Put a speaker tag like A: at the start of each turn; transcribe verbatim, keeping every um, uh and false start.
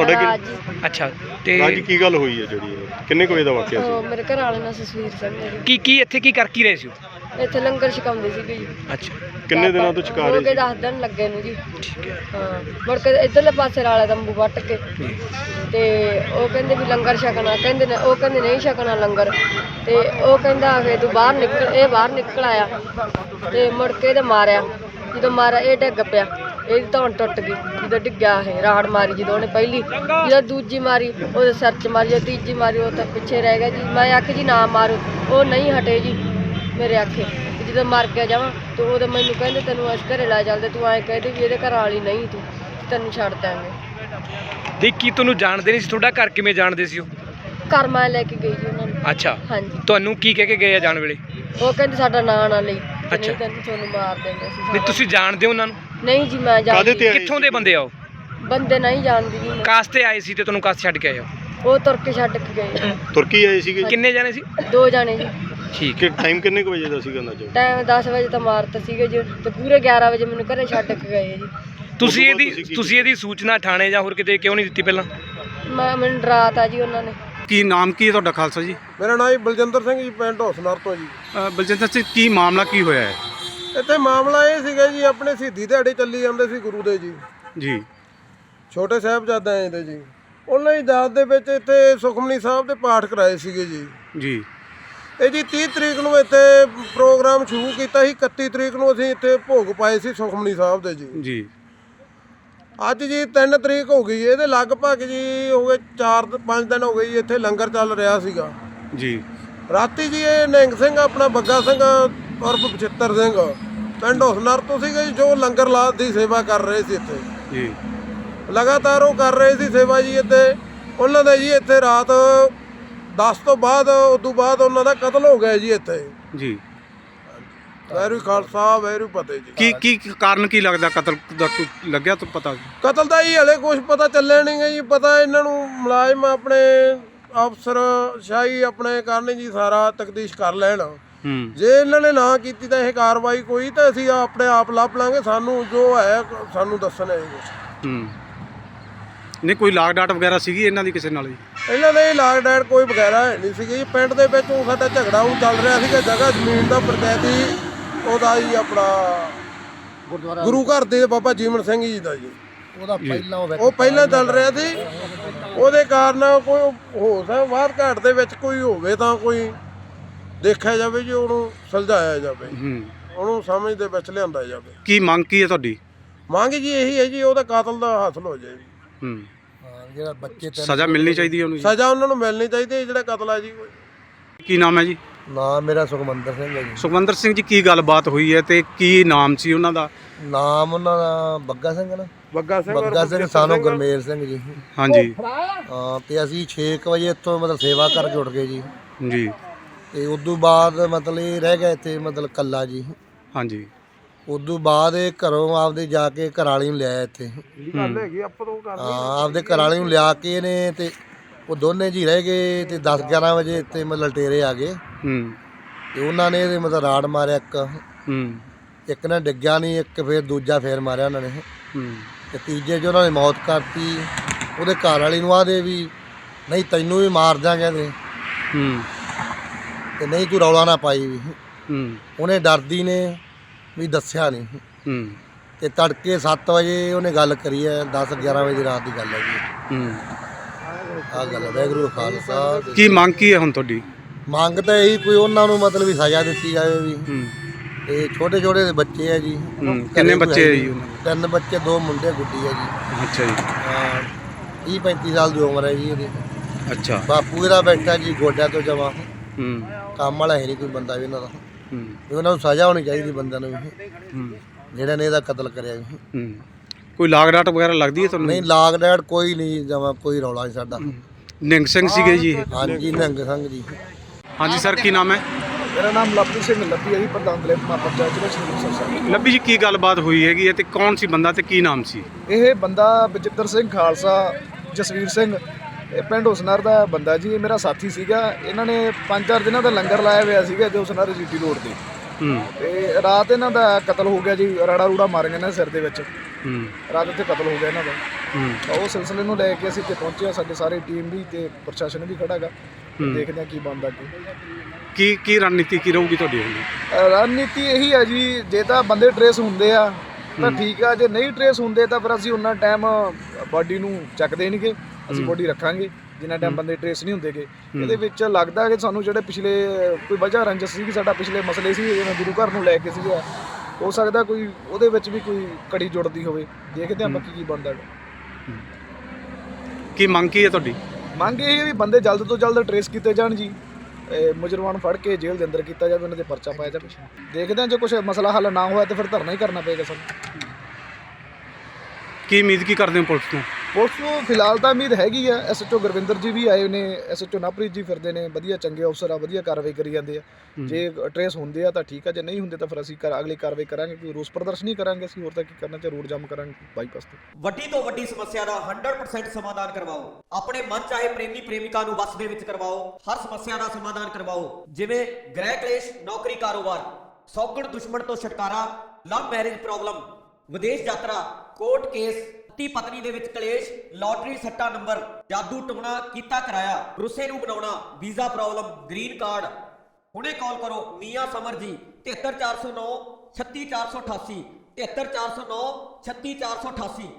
A: ਤੁਹਾਡੇ
B: ਰਾਜ
A: ਕੀ
B: ਜੀ।
C: ਅੱਛਾ ਤੇ
A: ਰਾਜ ਕੀ ਗੱਲ ਹੋਈ ਹੈ ਜਿਹੜੀ ਇਹ? ਕਿੰਨੇ ਕੁ ਵਜੇ ਦਾ ਵਾਕਿਆ
B: ਉਹ
A: ਸੀ?
B: ਮੇਰੇ ਘਰ ਵਾਲੇ ਨਾਲ ਜਸਵੀਰ ਸਿੰਘ ਨੇ ਜੀ।
C: ਕੀ ਕੀ ਇੱਥੇ ਕੀ ਕਰ ਕੀ ਰਹੇ ਸੀ ਉਹ?
B: ਇੱਥੇ ਲੰਗਰ ਛਕਾਉਂਦੇ ਸੀਗੇ ਜੀ।
C: ਅੱਛਾ
A: ਕਿੰਨੇ ਦਿਨਾਂ ਤੋਂ ਛਕਾ ਰਹੇ
B: ਹੋ ਗਏ
A: ਸੀ?
B: ਦਸ ਦਿਨ ਲੱਗੇ ਨੂੰ ਜੀ।
C: ਠੀਕ ਹੈ
B: ਹਾਂ ਮੁੜ ਕੇ ਇੱਧਰਲੇ ਪਾਸੇ ਵਾਲਾ ਤੰਬੂ ਵੱਟ ਕੇ ਤੇ ਉਹ ਕਹਿੰਦੇ ਵੀ ਲੰਗਰ ਛਕਣਾ, ਕਹਿੰਦੇ ਨੇ ਉਹ ਕਹਿੰਦੇ ਨਹੀਂ ਛਕਣਾ ਲੰਗਰ, ਤੇ ਉਹ ਕਹਿੰਦਾ ਫੇ ਤੂੰ ਬਾਹਰ ਨਿਕਲ, ਇਹ ਬਾਹਰ ਨਿਕਲ ਆਇਆ ਤੇ ਮੁੜ ਕੇ ਇਹਦੇ ਮਾਰਿਆ। ਜਦੋਂ ਮਾਰਿਆ ਇਹ ਡਿੱਗ ਪਿਆ, ਇਹਦੀ ਧੌਣ ਟੁੱਟ ਗਈ। ਜਦੋਂ ਡਿੱਗਿਆ ਇਹ ਰਾੜ ਮਾਰੀ, ਜਦੋਂ ਉਹਨੇ ਪਹਿਲੀ, ਜਦੋਂ ਦੂਜੀ ਮਾਰੀ ਉਹਦੇ ਸਿਰ 'ਚ ਮਾਰੀ, ਜਦੋਂ ਤੀਜੀ ਮਾਰੀ ਉਹ ਤਾਂ ਪਿੱਛੇ ਰਹਿ ਗਿਆ ਜੀ। ਮੈਂ ਆਖੀ ਜੀ ਨਾ ਮਾਰੋ, ਉਹ ਨਹੀਂ ਹਟੇ ਜੀ ਮੇਰੇ ਆਖੇ। ਜਦੋਂ ਮਰ ਗਿਆ ਜਾਵਾਂ ਤੇ ਉਹਦੇ ਮੈਨੂੰ ਕਹਿੰਦੇ ਤੈਨੂੰ ਅਸੀਂ ਘਰੇ ਲੈ ਚੱਲਦੇ, ਤੂੰ ਐਂ ਕਹਿੰਦੇ ਵੀ ਇਹਦੇ ਘਰ ਵਾਲੀ ਨਹੀਂ, ਤੂੰ ਤੈਨੂੰ ਛੱਡ ਦਾਂਗੇ।
C: ਦੇਖ ਕੀ ਤੁਹਾਨੂੰ ਜਾਣਦੇ ਨਹੀਂ ਸੀ? ਤੁਹਾਡਾ ਘਰ ਕਿਵੇਂ ਜਾਣਦੇ ਸੀ ਉਹ?
B: ਘਰ ਮੈਂ ਲੈ ਕੇ ਗਈ ਜੀ ਉਹਨਾਂ ਨੂੰ।
C: ਅੱਛਾ
B: ਹਾਂਜੀ
C: ਤੁਹਾਨੂੰ ਕੀ ਕਹਿ ਕੇ ਗਏ ਆ ਜਾਣ ਵੇਲੇ?
B: ਉਹ ਕਹਿੰਦੇ ਸਾਡਾ ਨਾਂ ਨਾ ਲਈ, ਤੇ
C: ਅੱਛਾ।
B: ਨਹੀਂ ਤੈਨੂੰ ਤੁਹਾਨੂੰ ਮਾਰ ਦੇਂਗੇ ਅਸੀਂ।
C: ਨਹੀਂ ਤੁਸੀਂ ਜਾਣਦੇ ਹੋ ਉਹਨਾਂ ਨੂੰ?
B: ਨਹੀਂ ਜੀ ਮੈਂ
A: ਕਾਹਦੇ ਤੇ
B: ਜਾਣਦੀ,
A: ਆਏ
C: ਕਿੱਥੋਂ ਦੇ ਬੰਦੇ ਆ ਉਹ?
B: ਬੰਦੇ ਨਹੀਂ ਜਾਣਦੀ ਜੀ ਮੈਂ।
C: ਕਾਸ ਤੇ ਆਏ ਸੀ ਤੇ ਤੁਹਾਨੂੰ ਕਾਸ ਛੱਡ ਕੇ ਆਏ ਹੋ?
B: ਉਹ ਤੁਰ ਕੇ ਛੱਡ ਕੇ ਗਏ।
A: ਤੁਰਕੀ ਆਏ ਸੀਗੇ?
C: ਕਿੰਨੇ ਜਾਣੇ ਸੀ?
B: ਦੋ ਜਾਣੇ ਜੀ।
C: ਠੀਕ
A: ਕਿ ਟਾਈਮ ਕਿੰਨੇ ਕੁ ਵਜੇ ਦਾ ਸੀਗਾ ਅੰਦਾਜ਼ਾ?
B: ਟਾਈਮ ਦਸ ਵਜੇ ਤਾਂ ਮਾਰਤ ਸੀਗੇ ਜੀ, ਤੇ ਪੂਰੇ ਗਿਆਰਾਂ ਵਜੇ ਮੈਨੂੰ ਘਰੇ ਛੱਡ ਕੇ ਗਏ ਜੀ।
C: ਤੁਸੀਂ
A: ਉਦੋਂ ਬਾਅਦ
C: ਇਹਦੀ
A: ਤੁਸੀਂ ਕੀ
C: ਤੁਸੀਂ ਇਹਦੀ ਸੂਚਨਾ ਥਾਣੇ ਜਾਂ ਹੋਰ ਕਿਤੇ ਕਿਉਂ ਨਹੀਂ ਦਿੱਤੀ ਪਹਿਲਾਂ?
B: ਮੈਂ ਮੈਨੂੰ ਡਰਾਤਾ ਜੀ ਉਹਨਾਂ ਨੇ।
D: ਕੀ ਨਾਮ ਕੀ ਹੈ ਤੁਹਾਡਾ ਖਾਲਸਾ ਜੀ?
E: ਮੇਰਾ ਨਾਮ ਜੀ ਬਲਜਿੰਦਰ ਸਿੰਘ ਜੀ, ਪਿੰਡ ਹੌਸਨਰ ਤੋਂ ਜੀ।
D: ਅ, ਬਲਜਿੰਦਰ ਸਿੰਘ ਕੀ ਮਾਮਲਾ ਕੀ ਹੋਇਆ ਹੈ?
E: ਇੱਥੇ ਮਾਮਲਾ ਇਹ ਸੀਗਾ ਜੀ, ਆਪਣੇ ਸ਼ਹੀਦੀ ਦਿਹਾੜੇ ਚੱਲੀ ਜਾਂਦੇ ਸੀ ਗੁਰੂ ਦੇ ਜੀ,
D: ਜੀ
E: ਛੋਟੇ ਸਾਹਿਬਜ਼ਾਦਿਆਂ ਦੇ ਜੀ। ਉਹਨਾਂ ਦੀ ਯਾਦ ਦੇ ਵਿੱਚ ਇੱਥੇ ਸੁਖਮਨੀ ਸਾਹਿਬ ਦੇ ਪਾਠ ਕਰਾਏ ਸੀਗੇ ਜੀ।
D: ਜੀ
E: ਇਹ ਜੀ ਤੀਹ ਤਰੀਕ ਨੂੰ ਇੱਥੇ ਪ੍ਰੋਗਰਾਮ ਸ਼ੁਰੂ ਕੀਤਾ ਸੀ, ਇਕੱਤੀ ਤਰੀਕ ਨੂੰ ਅਸੀਂ ਇੱਥੇ ਭੋਗ ਪਾਏ ਸੀ ਸੁਖਮਨੀ ਸਾਹਿਬ ਦੇ ਜੀ।
D: ਜੀ
E: ਅੱਜ ਜੀ ਤਿੰਨ ਤਰੀਕ ਹੋ ਗਈ, ਇਹਦੇ ਲਗਭਗ ਜੀ ਹੋ ਗਏ ਚਾਰ ਪੰਜ ਦਿਨ ਹੋ ਗਏ ਜੀ। ਇੱਥੇ ਲੰਗਰ ਚੱਲ ਰਿਹਾ ਸੀਗਾ।
D: ਜੀ
E: ਰਾਤੀ ਜੀ ਇਹ ਨਿਹੰਗ ਸਿੰਘ ਆਪਣਾ ਬੱਗਾ ਸਿੰਘ ਉਰਫ ਬਚਿੱਤਰ ਸਿੰਘ ਪਿੰਡ ਹੌਸਨਰ ਤੋਂ ਸੀਗੇ ਜੀ, ਜੋ ਲੰਗਰ ਲਾਤ ਦੀ ਸੇਵਾ ਕਰ ਰਹੇ ਸੀ ਇੱਥੇ।
D: ਜੀ
E: ਲਗਾਤਾਰ ਉਹ ਕਰ ਰਹੇ ਸੀ ਸੇਵਾ ਜੀ ਇੱਥੇ। ਉਹਨਾਂ ਦਾ ਜੀ ਇੱਥੇ ਰਾਤ ਦਸ ਤੋਂ ਬਾਅਦ ਉਦੋਂ ਬਾਅਦ ਉਹਨਾਂ ਦਾ ਕਤਲ ਹੋ ਗਿਆ ਜੀ ਇੱਥੇ।
D: ਜੀ
E: ਵੈਰੂ ਖਾਲਸਾ ਵੈਰੂ ਫਤਿਹ ਜੀ।
D: ਕੀ ਕੀ ਕਾਰਨ ਕੀ ਲੱਗਦਾ ਕਤਲ ਦਾ? ਕੋਈ ਲੱਗਿਆ ਤਾਂ ਪਤਾ?
E: ਕਤਲ ਦਾ ਹੀ ਹਲੇ ਕੁਝ ਪਤਾ ਚੱਲਿਆ ਨਹੀਂ ਗਾ ਜੀ। ਪਤਾ ਇਹਨਾਂ ਨੂੰ ਮੁਲਾਜ਼ਮ ਆਪਣੇ ਅਫਸਰ ਸ਼ਾਹੀ ਆਪਣੇ ਕਰਨ ਜੀ, ਸਾਰਾ ਤਫਤੀਸ਼ ਕਰ ਲੈਣ।
D: ਹੂੰ
E: ਜੇ ਇਹਨਾਂ ਨੇ ਨਾ ਕੀਤੀ ਤਾਂ ਇਹ ਕਾਰਵਾਈ ਕੋਈ, ਤਾਂ ਅਸੀਂ ਆਪਣੇ ਆਪ ਲੱਭ ਲਾਂਗੇ। ਸਾਨੂੰ ਜੋ ਹੈ ਸਾਨੂੰ ਦੱਸਣਾ ਹੈ ਕੁਛ।
D: ਹੂੰ ਨਹੀਂ ਕੋਈ ਲਾਗ ਡਾਟ ਵਗੈਰਾ ਸੀਗੀ ਇਹਨਾਂ ਦੀ ਕਿਸੇ ਨਾਲ ਜੀ?
E: ਇਹਨਾਂ ਦੇ ਲਾਗ ਡੈਟ ਕੋਈ ਵਗੈਰਾ ਹੈ ਨਹੀਂ ਸੀਗੀ ਜੀ। ਪਿੰਡ ਦੇ ਵਿੱਚ ਉਹ ਸਾਡਾ ਝਗੜਾ ਉਹ ਚੱਲ ਰਿਹਾ ਸੀਗਾ, ਜਗ੍ਹਾ ਜ਼ਮੀਨ ਦਾ ਪੰਚਾਇਤੀ ਉਹਦਾ ਜੀ ਆਪਣਾ ਗੁਰਦੁਆਰਾ ਗੁਰੂ ਘਰ ਦੇ ਬਾਬਾ ਜੀਵਨ ਸਿੰਘ ਜੀ ਦਾ ਜੀ। ਉਹਦਾ ਪਹਿਲਾਂ ਉਹ ਪਹਿਲਾਂ ਚੱਲ ਰਿਹਾ ਸੀ। ਉਹਦੇ ਕਾਰਨ ਕੋਈ ਹੋ ਸਕਦਾ ਬਾਹਰ ਘਾਟ ਦੇ ਵਿੱਚ ਕੋਈ ਹੋਵੇ ਤਾਂ ਕੋਈ ਦੇਖਿਆ ਜਾਵੇ ਜੀ, ਉਹਨੂੰ ਸੁਲਝਾਇਆ ਜਾਵੇ,
D: ਹੂੰ
E: ਉਹਨੂੰ ਸਮਝ ਦੇ ਵਿੱਚ ਲਿਆਂਦਾ ਜਾਵੇ।
D: ਕੀ ਮੰਗ ਕੀ ਹੈ ਤੁਹਾਡੀ?
E: ਮੰਗ ਜੀ ਇਹੀ ਹੈ ਜੀ, ਉਹਦਾ ਕਾਤਲ ਦਾ ਹਾਸਲ ਹੋ ਜਾਏ ਜੀ।
D: ਹੂੰ
E: ਜਿਹੜਾ ਬੱਚੇ
D: ਸਜ਼ਾ ਮਿਲਣੀ ਚਾਹੀਦੀ ਹੈ ਉਹਨੂੰ ਜੀ?
E: ਸਜ਼ਾ ਉਹਨਾਂ ਨੂੰ ਮਿਲਣੀ ਚਾਹੀਦੀ ਹੈ ਜਿਹੜਾ ਕਤਲ ਹੈ ਜੀ।
D: ਕੀ ਨਾਮ ਹੈ ਜੀ?
E: ਨਾਮ ਮੇਰਾ ਸੁਖਮੰਦਰ ਸਿੰਘ ਹੈ ਜੀ।
D: ਸੁਖਵੰਦਰ ਸਿੰਘ ਜੀ ਕੀ ਗੱਲਬਾਤ ਹੋਈ ਹੈ ਤੇ ਕੀ ਨਾਮ ਸੀ ਉਹਨਾਂ ਦਾ?
E: ਨਾਮ ਉਹਨਾਂ ਦਾ ਬੱਗਾ ਸਿੰਘ ਨਾ। ਬੱਗਾ ਸਿੰਘ
F: ਬੱਗਾ ਸਿੰਘ ਸਾਨੂੰ ਗੁਰਮੇਲ ਸਿੰਘ ਜੀ।
D: ਹਾਂਜੀ
F: ਹਾਂ ਤੇ ਅਸੀਂ ਛੇ ਕੁ ਵਜੇ ਇੱਥੋਂ ਮਤਲਬ ਸੇਵਾ ਕਰਕੇ ਉੱਠ ਗਏ ਜੀ।
D: ਜੀ
F: ਤੇ ਉਦੋਂ ਬਾਅਦ ਮਤਲਬ ਇਹ ਰਹਿ ਗਿਆ ਇੱਥੇ ਮਤਲਬ ਕੱਲਾ ਜੀ।
D: ਹਾਂਜੀ
F: ਉਦੋਂ ਬਾਅਦ ਇਹ ਘਰੋਂ ਆਪਦੇ ਜਾ ਕੇ ਘਰਾਲੀ ਨੂੰ ਲਿਆਇਆ ਇੱਥੇ।
E: ਗੱਲ ਹੈਗੀ ਆਪਾਂ ਤੋਂ ਕਰ
F: ਹਾਂ ਆਪਦੇ ਘਰਾਲੀ ਨੂੰ ਲਿਆ ਕੇ ਇਹਨੇ ਤੇ ਉਹ ਦੋਨੇ ਜੀ ਰਹਿ ਗਏ ਤੇ ਦਸ ਗਿਆਰਾਂ ਵਜੇ ਇੱਥੇ ਮਤਲਬ ਲਟੇਰੇ ਆ ਗਏ
D: ਹੂੰ
F: ਤੇ ਉਹਨਾਂ ਨੇ ਇਹਦੇ ਮਤਲਬ ਰਾੜ ਮਾਰਿਆ ਇੱਕ
D: ਹੂੰ
F: ਇੱਕ ਨੇ ਡਿੱਗਿਆ ਨਹੀਂ, ਇੱਕ ਫਿਰ ਦੂਜਾ ਫੇਰ ਮਾਰਿਆ ਉਹਨਾਂ ਨੇ
D: ਹੂੰ
F: ਤੇ ਤੀਜੇ 'ਚ ਉਹਨਾਂ ਨੇ ਮੌਤ ਕਰਤੀ। ਉਹਦੇ ਘਰ ਵਾਲੀ ਨੂੰ ਆਦੇ ਵੀ ਨਹੀਂ ਤੈਨੂੰ ਵੀ ਮਾਰ ਦਿਆਂਗੇ ਤੇ
D: ਹੂੰ
F: ਤੇ ਨਹੀਂ ਤੂੰ ਰੌਲਾ ਨਾ ਪਾਈ ਵੀ।
D: ਹੂੰ
F: ਉਹਨੇ ਡਰਦੀ ਨੇ ਵੀ ਦੱਸਿਆ ਨਹੀਂ
D: ਹੂੰ
F: ਤੇ ਤੜਕੇ ਸੱਤ ਵਜੇ ਉਹਨੇ ਗੱਲ ਕਰੀ ਹੈ। ਦਸ ਗਿਆਰਾਂ ਵਜੇ ਦੀ ਰਾਤ ਦੀ ਗੱਲ ਹੈ ਜੀ।
D: ਹੂੰ
F: ਆਹ ਗੱਲ ਹੈ। ਵਾਹਿਗੁਰੂ ਖਾਲਸਾ।
D: ਕੀ ਮੰਗ ਕੀ ਹੈ ਹੁਣ ਤੁਹਾਡੀ?
F: ਮੰਗ ਤਾਂ ਇਹੀ ਕੋਈ ਉਹਨਾਂ ਨੂੰ ਮਤਲਬ ਵੀ ਸਜ਼ਾ ਦਿੱਤੀ ਜਾਵੇ ਵੀ।
D: ਹੂੰ
F: ਤੇ ਛੋਟੇ ਛੋਟੇ ਦੇ ਬੱਚੇ ਹੈ ਜੀ।
D: ਹੂੰ ਕਿੰਨੇ ਬੱਚੇ ਹੈ ਜੀ ਉਹਨਾਂ ਦੇ?
F: ਤਿੰਨ ਬੱਚੇ, ਦੋ ਮੁੰਡੇ, ਗੁੱਡੀ ਹੈ ਜੀ।
D: ਅੱਛਾ ਜੀ
F: ਹਾਂ ਤੀਹ ਪੈਂਤੀ ਸਾਲ ਦੀ ਉਮਰ ਹੈ ਜੀ ਇਹਦੀ।
D: ਅੱਛਾ
F: ਬਾਪੂ ਇਹਦਾ ਬੈਠਾ ਜੀ ਗੋਡਿਆਂ ਤੋਂ ਜਮਾ।
D: ਹੂੰ
F: ਕੰਮ ਵਾਲਾ ਹੈ ਨਹੀਂ ਕੋਈ ਬੰਦਾ ਵੀ ਇਹਨਾਂ ਦਾ।
D: ਹੂੰ
F: ਵੀ ਉਹਨਾਂ ਨੂੰ ਸਜ਼ਾ ਹੋਣੀ ਚਾਹੀਦੀ ਬੰਦਿਆਂ ਨੂੰ ਵੀ,
D: ਹੂੰ
F: ਜਿਹੜਾ ਨੇ ਇਹਦਾ ਕਤਲ ਕਰਿਆ ਵੀ।
D: ਹੂੰ ਕੋਈ ਲਾਗ ਡਾਟ ਵਗੈਰਾ ਲੱਗਦੀ ਹੈ ਤੁਹਾਨੂੰ?
F: ਨਹੀਂ ਲਾਗ ਡੈਡ ਕੋਈ ਨਹੀਂ ਜਮਾ, ਕੋਈ ਰੌਲਾ ਨਹੀਂ ਸਾਡਾ।
D: ਨਿੰਗ ਸਿੰਘ ਸੀਗੇ ਜੀ ਇਹ?
F: ਹਾਂਜੀ ਨਿਹੰਗ ਸਿੰਘ ਜੀ।
D: ਹਾਂਜੀ ਸਰ ਕੀ ਨਾਮ ਹੈ?
G: ਮੇਰਾ ਨਾਮ ਲਵਪ੍ਰੀਤ ਸਿੰਘ ਲੱਭੀ ਹੈ ਜੀ, ਪ੍ਰਧਾਨ ਦਲੇਪਮਾ ਪੰਚਾਇਤ ਜ਼ਿਲ੍ਹਾ ਸ਼੍ਰੀ ਮੁਕਤਸਰ ਸਾਹਿਬ।
D: ਲੱਭੀ ਜੀ ਕੀ ਗੱਲਬਾਤ ਹੋਈ ਹੈਗੀ ਹੈ ਤੇ ਕੌਣ ਸੀ ਬੰਦਾ ਤੇ ਕੀ ਨਾਮ ਸੀ?
G: ਇਹ ਬੰਦਾ ਬਚਿੱਤਰ ਸਿੰਘ ਖਾਲਸਾ, ਜਸਵੀਰ ਸਿੰਘ, ਇਹ ਪਿੰਡ ਹੁਸਨਰ ਦਾ ਬੰਦਾ ਜੀ। ਇਹ ਮੇਰਾ ਸਾਥੀ ਸੀਗਾ। ਇਹਨਾਂ ਨੇ ਪੰਜ ਚਾਰ ਦਿਨਾਂ ਦਾ ਲੰਗਰ ਲਾਇਆ ਹੋਇਆ ਸੀਗਾ ਤੇ ਹੁਸਨਰ ਜੀਟੀ ਰੋਡ ਤੇ।
D: ਹੂੰ
G: ਤੇ ਰਾਤ ਇਹਨਾਂ ਦਾ ਕਤਲ ਹੋ ਗਿਆ ਜੀ। ਰਾੜਾ ਰੂੜਾ ਮਾਰ ਗਏ ਨੇ ਸਿਰ ਦੇ ਵਿੱਚ।
D: ਹੂੰ
G: ਰਾਤ ਇੱਥੇ ਕਤਲ ਹੋ ਗਿਆ ਇਹਨਾਂ ਦਾ। ਤਾਂ ਉਹ ਸਿਲਸਿਲੇ ਨੂੰ ਲੈ ਕੇ ਅਸੀਂ ਇੱਥੇ ਪਹੁੰਚੇ ਹਾਂ, ਸਾਡੇ ਸਾਰੇ ਟੀਮ ਵੀ ਤੇ ਪ੍ਰਸ਼ਾਸਨ ਵੀ ਖੜਾ ਗਾ। ਦੇਖਦੇ ਹਾਂ ਕੀ ਬਣਦਾ ਅੱਗੇ।
D: ਕੀ ਕੀ ਰਣਨੀਤੀ ਕੀ ਰਹੂਗੀ ਤੁਹਾਡੀ ਹੁਣ?
G: ਅ, ਰਣਨੀਤੀ ਇਹੀ ਹੈ ਜੀ, ਜੇ ਤਾਂ ਬੰਦੇ ਟਰੇਸ ਹੁੰਦੇ ਆ ਤਾਂ ਠੀਕ ਆ, ਜੇ ਨਹੀਂ ਟਰੇਸ ਹੁੰਦੇ ਤਾਂ ਫਿਰ ਅਸੀਂ ਉਹਨਾਂ ਟਾਈਮ ਬਾਡੀ ਨੂੰ ਚੱਕਦੇ ਨਹੀਂਗੇ, ਅਸੀਂ ਬਾਡੀ ਰੱਖਾਂਗੇ ਜਿੰਨਾ ਟਾਈਮ ਬੰਦੇ ਟਰੇਸ ਨਹੀਂ ਹੁੰਦੇਗੇ। ਇਹਦੇ ਵਿੱਚ ਲੱਗਦਾ ਕਿ ਸਾਨੂੰ ਜਿਹੜੇ ਪਿਛਲੇ ਕੋਈ ਵਜ੍ਹਾ ਰੰਜਸ ਸੀ, ਸਾਡਾ ਪਿਛਲੇ ਮਸਲੇ ਸੀ ਜਿਵੇਂ ਗੁਰੂ ਘਰ ਨੂੰ ਲੈ ਕੇ ਸੀਗਾ, ਹੋ ਸਕਦਾ ਕੋਈ ਉਹਦੇ ਵਿੱਚ ਵੀ ਕੋਈ ਕੜੀ ਜੁੜਦੀ ਹੋਵੇ। ਦੇਖਦੇ ਹਾਂ ਬਾਕੀ ਕੀ ਬਣਦਾ।
D: ਕੀ ਮੰਗ ਕੀ ਹੈ ਤੁਹਾਡੀ?
G: ਮੰਗ ਇਹ ਹੈ ਵੀ ਬੰਦੇ ਜਲਦ ਤੋਂ ਜਲਦ ਟਰੇਸ ਕੀਤੇ ਜਾਣ ਜੀ, ਮੁਜਰਮਾਨ ਫੜ ਕੇ ਜੇਲ੍ਹ ਦੇ ਅੰਦਰ ਕੀਤਾ ਜਾਵੇ, ਉਹਨਾਂ ਦੇ ਪਰਚਾ ਪਾਇਆ ਜਾਵੇ। ਦੇਖਦੇ ਹਾਂ ਜੇ ਕੁਛ ਮਸਲਾ ਹੱਲ ਨਾ ਹੋਇਆ ਤਾਂ ਫਿਰ ਧਰਨਾ ਹੀ ਕਰਨਾ ਪਏਗਾ ਸਾਨੂੰ।
D: ਕੀ ਉਮੀਦ ਕੀ ਕਰਦੇ ਹੋ ਪੁਲਿਸ ਤੋਂ?
G: ਪੁਲਿਸ ਨੂੰ ਫਿਲਹਾਲ ਤਾਂ ਉਮੀਦ ਹੈਗੀ ਆ, ਐਸ ਐਚ ਓ ਗੁਰਵਿੰਦਰ ਜੀ ਵੀ ਆਏ ਨੇ, ਐਸ ਐਚ ਓ ਨਵਪ੍ਰੀਤ ਜੀ ਫਿਰਦੇ ਨੇ, ਵਧੀਆ ਚੰਗੇ ਅਫਸਰ ਆ, ਵਧੀਆ ਕਾਰਵਾਈ ਕਰੀ ਜਾਂਦੇ ਆ। ਜੇ ਟਰੇਸ ਹੁੰਦੇ ਆ ਤਾਂ ਠੀਕ ਆ, ਜੇ ਨਹੀਂ ਹੁੰਦੇ ਤਾਂ ਫਿਰ ਅਸੀਂ ਕਰ ਅਗਲੀ ਕਾਰਵਾਈ ਕਰਾਂਗੇ, ਕੋਈ ਰੋਸ ਪ੍ਰਦਰਸ਼ਨ ਕਰਾਂਗੇ ਅਸੀਂ, ਹੋਰ ਤਾਂ ਕੀ ਕਰਨਾ, ਚਾਹੇ ਰੋਡ ਜਾਮ ਕਰਾਂਗੇ ਬਾਈਪਾਸ ਤੇ।
H: ਵੱਡੀ ਤੋਂ ਵੱਡੀ ਸਮੱਸਿਆ ਦਾ ਸੌ ਪਰਸੈਂਟ ਸਮਾਧਾਨ ਕਰਵਾਓ। ਆਪਣੇ ਮਨ ਚਾਹੇ ਪ੍ਰੇਮੀ ਪ੍ਰੇਮਿਕਾ ਨੂੰ ਵਸ ਦੇ ਵਿੱਚ ਕਰਵਾਓ। ਹਰ ਸਮੱਸਿਆ ਦਾ ਸਮਾਧਾਨ ਕਰਵਾਓ, ਜਿਵੇਂ ਗ੍ਰਹਿ ਕਲੇਸ਼, ਨੌਕਰੀ, ਕਾਰੋਬਾਰ, ਸੌਗਣ ਦੁਸ਼ਮਣ ਤੋਂ ਛੁਟਕਾਰਾ, ਲਵ ਮੈਰਿਜ ਪ੍ਰੋਬਲਮ, ਵਿਦੇਸ਼ ਯਾਤਰਾ, ਕੋਰਟ ਕੇਸ, ਪਤੀ ਪਤਨੀ ਦੇ ਵਿੱਚ ਕਲੇਸ਼, ਲਾਟਰੀ ਸੱਟਾ ਨੰਬਰ, ਜਾਦੂ ਟੁਣਾ ਕੀਤਾ ਕਰਾਇਆ, ਰੁੱਸੇ ਨੂੰ ਬਣਾਉਣਾ, ਵੀਜ਼ਾ ਪ੍ਰੋਬਲਮ, ਗ੍ਰੀਨ ਕਾਰਡ। ਹੁਣੇ ਕਾਲ ਕਰੋ ਮੀਆਂ ਸਮਰ ਜੀ, ਤਿਹੱਤਰ ਚਾਰ ਸੌ ਨੌ ਛੱਤੀ ਚਾਰ ਸੌ ਅਠਾਸੀ, ਤਿਹੱਤਰ ਚਾਰ ਸੌ ਨੌ ਛੱਤੀ ਚਾਰ ਸੌ ਅਠਾਸੀ।